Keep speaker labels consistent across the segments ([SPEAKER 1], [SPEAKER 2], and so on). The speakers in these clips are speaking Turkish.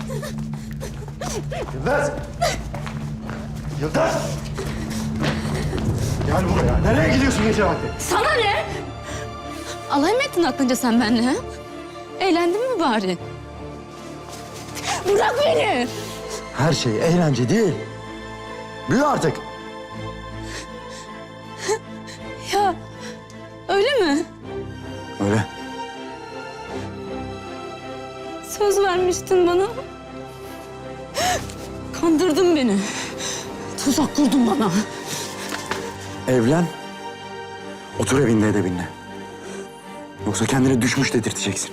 [SPEAKER 1] Yıldız! Yıldız! Gel buraya. Nereye gidiyorsun gece vakti?
[SPEAKER 2] Sana ne? Alay mı ettin aklınca sen benimle? Ha? Eğlendin mi bari? Bırak beni!
[SPEAKER 1] Her şey eğlence değil. Büyü artık.
[SPEAKER 2] Ya öyle mi?
[SPEAKER 1] Öyle.
[SPEAKER 2] Söz vermiştin bana. Kandırdın beni. Tuzak kurdun bana.
[SPEAKER 1] Evlen. Otur evinde edebinle. Yoksa kendini düşmüş dedirteceksin.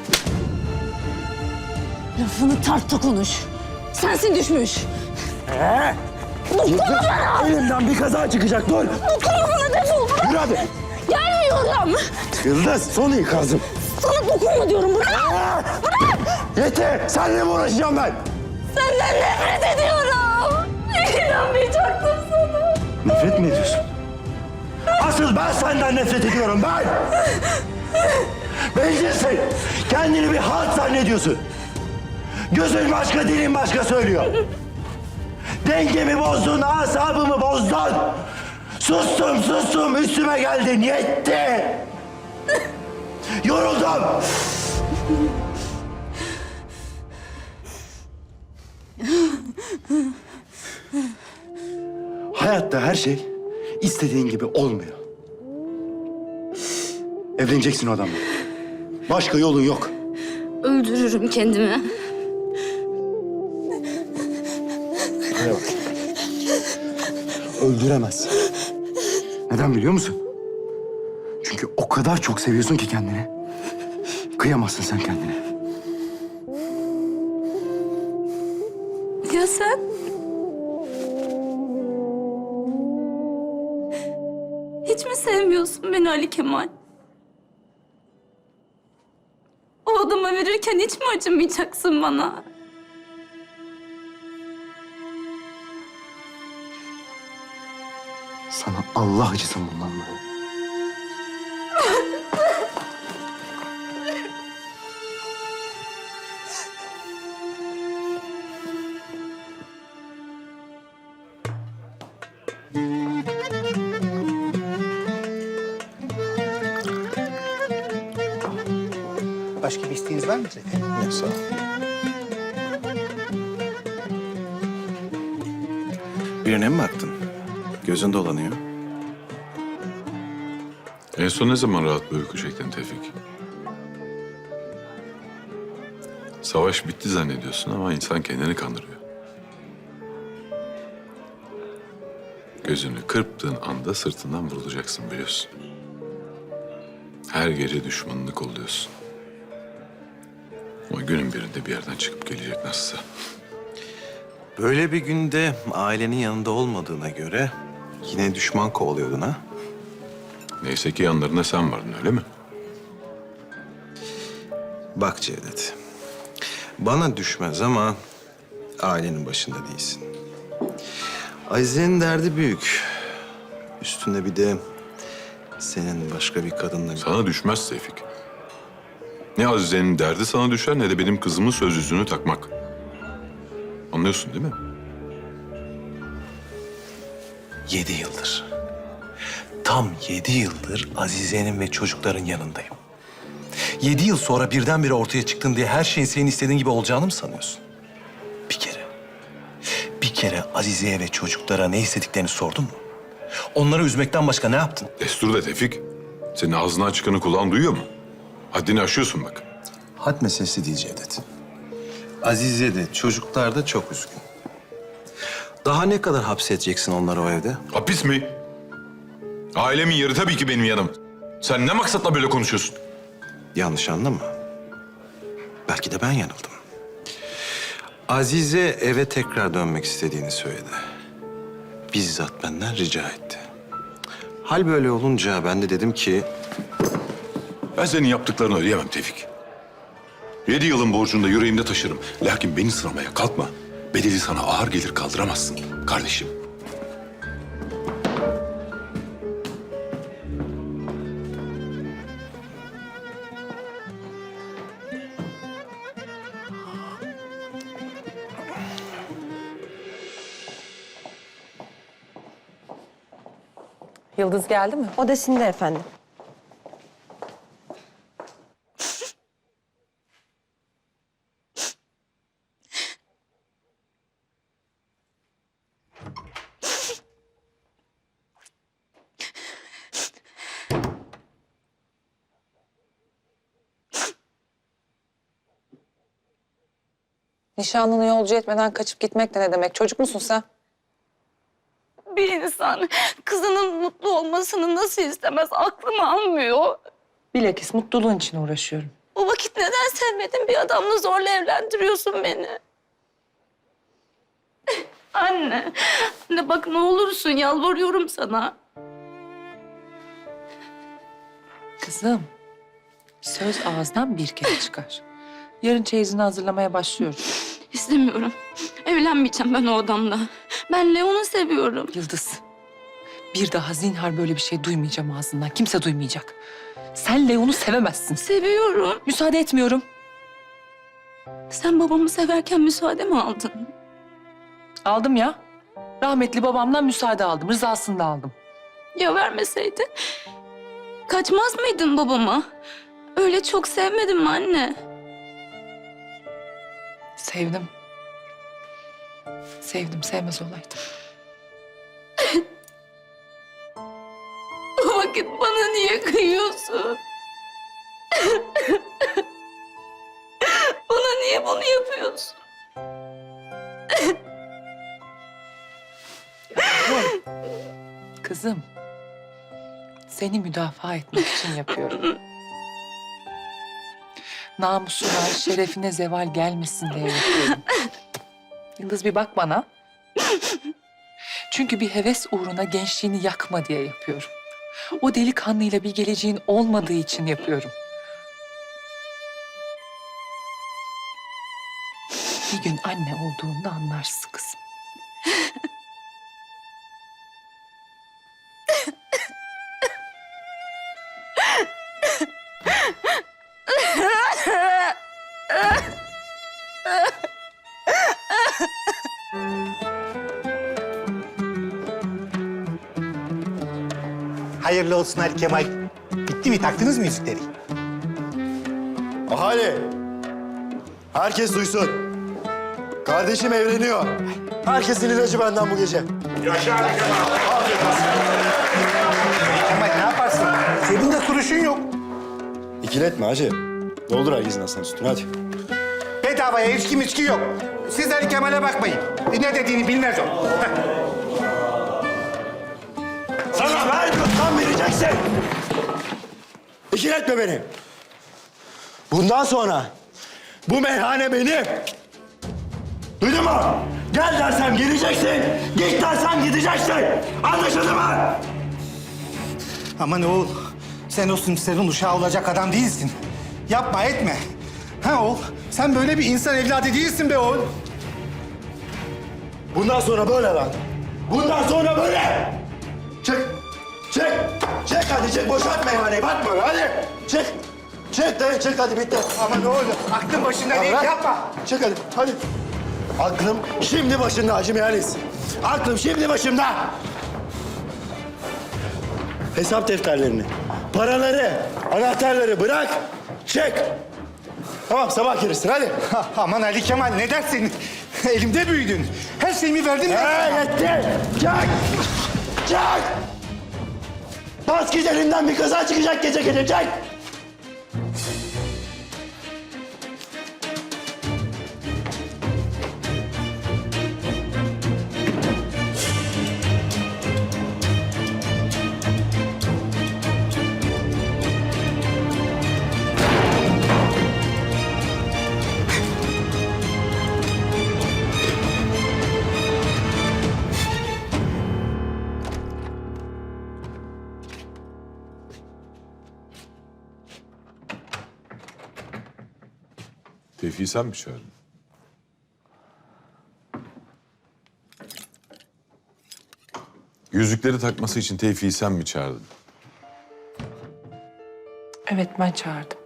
[SPEAKER 2] Lafını tartta konuş. Sensin düşmüş.
[SPEAKER 1] Yıldız, elimden bir kaza çıkacak. Dur.
[SPEAKER 2] Dokunma bana, defol. Bırak.
[SPEAKER 1] Yürü hadi.
[SPEAKER 2] Gelmiyorum.
[SPEAKER 1] Yıldız son ikazım.
[SPEAKER 2] Sana dokunma diyorum. Bırak. Bırak.
[SPEAKER 1] Yeter. Seninle mi uğraşacağım ben?
[SPEAKER 2] Senden nefret ediyorum. İnanmayacaktım sana.
[SPEAKER 1] Nefret mi ediyorsun? Asıl ben senden nefret ediyorum ben. Bencilsin. Kendini bir halt zannediyorsun. Gözün başka, dilin başka söylüyor. Dengemi bozdun, asabımı bozdun. Sustum, üstüme geldin, yetti. Yoruldum. Hayatta her şey istediğin gibi olmuyor. Evleneceksin o adamla. Başka yolun yok.
[SPEAKER 2] Öldürürüm kendimi.
[SPEAKER 1] Buraya bak. Öldüremez. Neden biliyor musun? Çünkü o kadar çok seviyorsun ki kendini. Kıyamazsın sen kendine.
[SPEAKER 2] Ya sen? Hiç mi sevmiyorsun beni Ali Kemal? O adama verirken hiç mi acımayacaksın bana?
[SPEAKER 1] Sana Allah acısın bundan böyle.
[SPEAKER 3] Başka bir isteğiniz var mı Zeki?
[SPEAKER 1] Yok sağ ol.
[SPEAKER 4] Birine mi baktın? Gözün dolanıyor.
[SPEAKER 5] En son ne zaman rahat bir uyku çektin Tevfik? Savaş bitti zannediyorsun ama insan kendini kandırıyor. Gözünü kırptığın anda sırtından vurulacaksın biliyorsun. Her gece düşmanını kolluyorsun. Ama günün birinde bir yerden çıkıp gelecek nasılsa.
[SPEAKER 4] Böyle bir günde ailenin yanında olmadığına göre yine düşman kovalıyordun ha?
[SPEAKER 5] Neyse ki yanlarında sen vardın öyle mi?
[SPEAKER 4] Bak Cevdet, bana düşmez ama ailenin başında değilsin. Azize'nin derdi büyük. Üstünde bir de senin başka bir kadınla...
[SPEAKER 5] Sana düşmez Tevfik. Ne Azize'nin derdi sana düşer ne de benim kızımın söz yüzüğünü takmak. Anlıyorsun değil mi?
[SPEAKER 4] 7 yıldır. Tam 7 yıldır Azize'nin ve çocukların yanındayım. 7 yıl sonra birdenbire ortaya çıktın diye her şeyin senin istediğin gibi olacağını mı sanıyorsun? Bir kere Azize'ye ve çocuklara ne istediklerini sordun mu? Onları üzmekten başka ne yaptın?
[SPEAKER 5] Destur da Tevfik. Senin ağzından çıkanı kulağın duyuyor mu? Haddini aşıyorsun bak.
[SPEAKER 4] Had meselesi değil Cevdet. Azize de çocuklar da çok üzgün. Daha ne kadar hapsedeceksin onları o evde?
[SPEAKER 5] Hapis mi? Ailemin yeri tabii ki benim yanım. Sen ne maksatla böyle konuşuyorsun?
[SPEAKER 4] Yanlış anlama. Belki de ben yanıldım. Azize eve tekrar dönmek istediğini söyledi. Bizzat benden rica etti. Hal böyle olunca ben de dedim ki...
[SPEAKER 5] Ben senin yaptıklarını ödeyemem Tevfik. 7 yılın borcunu da yüreğimde taşırım. Lakin beni sıramaya kalkma. Bedeli sana ağır gelir kaldıramazsın kardeşim.
[SPEAKER 6] Yıldız geldi mi?
[SPEAKER 7] Odasında efendim.
[SPEAKER 6] Nişanlını yolcu etmeden kaçıp gitmek de ne demek? Çocuk musun sen?
[SPEAKER 2] Bir insan kızının mutlu olmasını nasıl istemez aklım almıyor.
[SPEAKER 6] Bilakis mutluluğun için uğraşıyorum.
[SPEAKER 2] O vakit neden sevmediğin bir adamla zorla evlendiriyorsun beni? Anne, anne bak ne olursun yalvarıyorum sana.
[SPEAKER 6] Kızım, söz ağızdan bir kere çıkar. Yarın çeyizini hazırlamaya başlıyoruz.
[SPEAKER 2] İstemiyorum. Evlenmeyeceğim ben o adamla. Ben Leon'u seviyorum.
[SPEAKER 6] Yıldız, bir daha zinhar böyle bir şey duymayacağım ağzından. Kimse duymayacak. Sen Leon'u sevemezsin.
[SPEAKER 2] Seviyorum.
[SPEAKER 6] Müsaade etmiyorum.
[SPEAKER 2] Sen babamı severken müsaade mi aldın?
[SPEAKER 6] Aldım ya. Rahmetli babamdan müsaade aldım. Rızasını da aldım.
[SPEAKER 2] Ya vermeseydin? Kaçmaz mıydın babama? Öyle çok sevmedin mi anne?
[SPEAKER 6] Sevdim. Sevdim, sevmez olaydım.
[SPEAKER 2] O vakit bana niye kıyıyorsun? Bana niye bunu yapıyorsun?
[SPEAKER 6] Kızım, seni müdafaa etmek için yapıyorum. Namusuna, şerefine zeval gelmesin diye yapıyorum. Yıldız bir bak bana. Çünkü bir heves uğruna gençliğini yakma diye yapıyorum. O delikanlıyla bir geleceğin olmadığı için yapıyorum. Bir gün anne olduğunda anlarsın kızım.
[SPEAKER 3] Hayırlı olsun Ali Kemal. Bitti mi? Taktınız mı yüzükleri?
[SPEAKER 1] Ahali! Herkes duysun. Kardeşim evleniyor. Herkesin ilacı benden bu gece.
[SPEAKER 3] Kemal ne yaparsın? Cebinde kuruşun yok.
[SPEAKER 1] İkiletme hacı. Doldur herkesin aslan sütünü hadi.
[SPEAKER 3] Bedavaya içki yok. Siz Ali Kemal'e bakmayın. Ne dediğini bilmez o.
[SPEAKER 1] Sana vermiyorsam vereceksin. İkiletme beni. Bundan sonra bu meyhane benim. Duydun mu? Gel dersem geleceksin, git dersem gideceksin. Anlaşıldı mı?
[SPEAKER 3] Aman oğul, sen o simslerin uşağı olacak adam değilsin. Yapma etme. Ha oğul, sen böyle bir insan evladı değilsin be oğul.
[SPEAKER 1] Bundan sonra böyle lan. Bundan sonra böyle. Çık. Çık. Çık hadi çık. Boşalt meyhaneyi. Bakma hadi. Çık. Çık de çık hadi bitti.
[SPEAKER 3] Aman oğul, aklın başında değil,
[SPEAKER 1] Bırak.
[SPEAKER 3] yapma.
[SPEAKER 1] Çık hadi. Hadi. Aklım şimdi başında Hacı Mehalis. Aklım şimdi başımda. Hesap defterlerini, paraları, anahtarları bırak. Çık. Tamam sabah gelirsin hadi.
[SPEAKER 3] Aman Ali Kemal ne dersin? Elimde büyüdün. Her şeyimi verdim ben sana.
[SPEAKER 1] Yetti. Çık. Çık. Bas git elimden bir kaza çıkacak gece gece. Çık.
[SPEAKER 5] Tevfik'i sen mi çağırdın? Yüzükleri takması için Tevfik'i sen mi çağırdın?
[SPEAKER 6] Evet, ben çağırdım.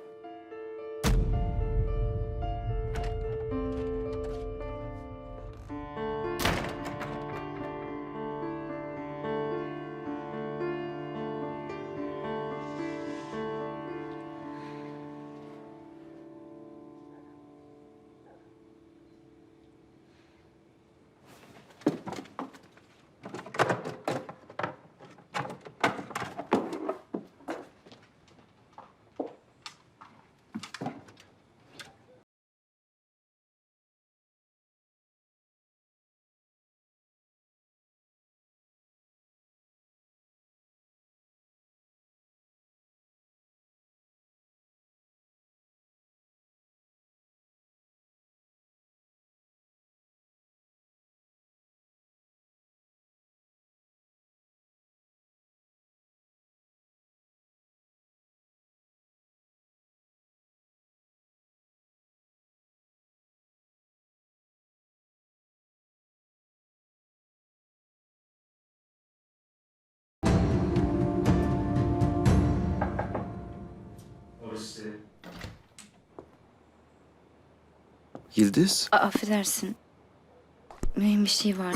[SPEAKER 7] Yıldız,
[SPEAKER 2] Affedersin. Mühim bir şey vardı.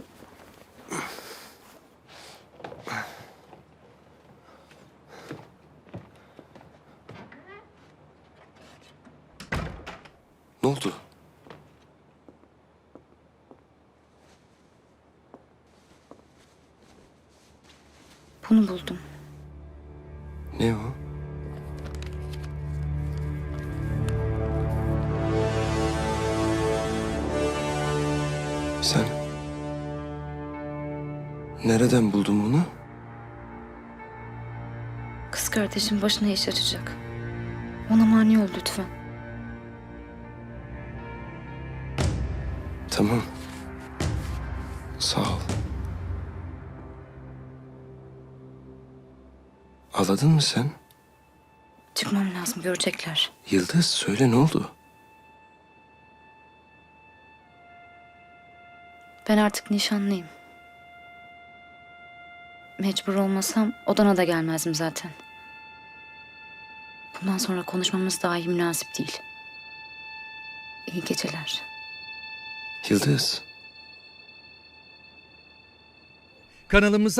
[SPEAKER 7] ne oldu?
[SPEAKER 2] Bunu buldum.
[SPEAKER 7] Ne o? Sen nereden buldun bunu?
[SPEAKER 2] Kız kardeşim başına iş açacak. Ona mani ol lütfen.
[SPEAKER 7] Tamam. Sağ ol. Ağladın mı sen?
[SPEAKER 2] Çıkmam lazım, görecekler.
[SPEAKER 7] Yıldız söyle ne oldu?
[SPEAKER 2] Ben artık nişanlıyım. Mecbur olmasam odana da gelmezdim zaten. Bundan sonra konuşmamız dahi münasip değil. İyi geceler.
[SPEAKER 7] Yıldız.
[SPEAKER 8] Kanalımıza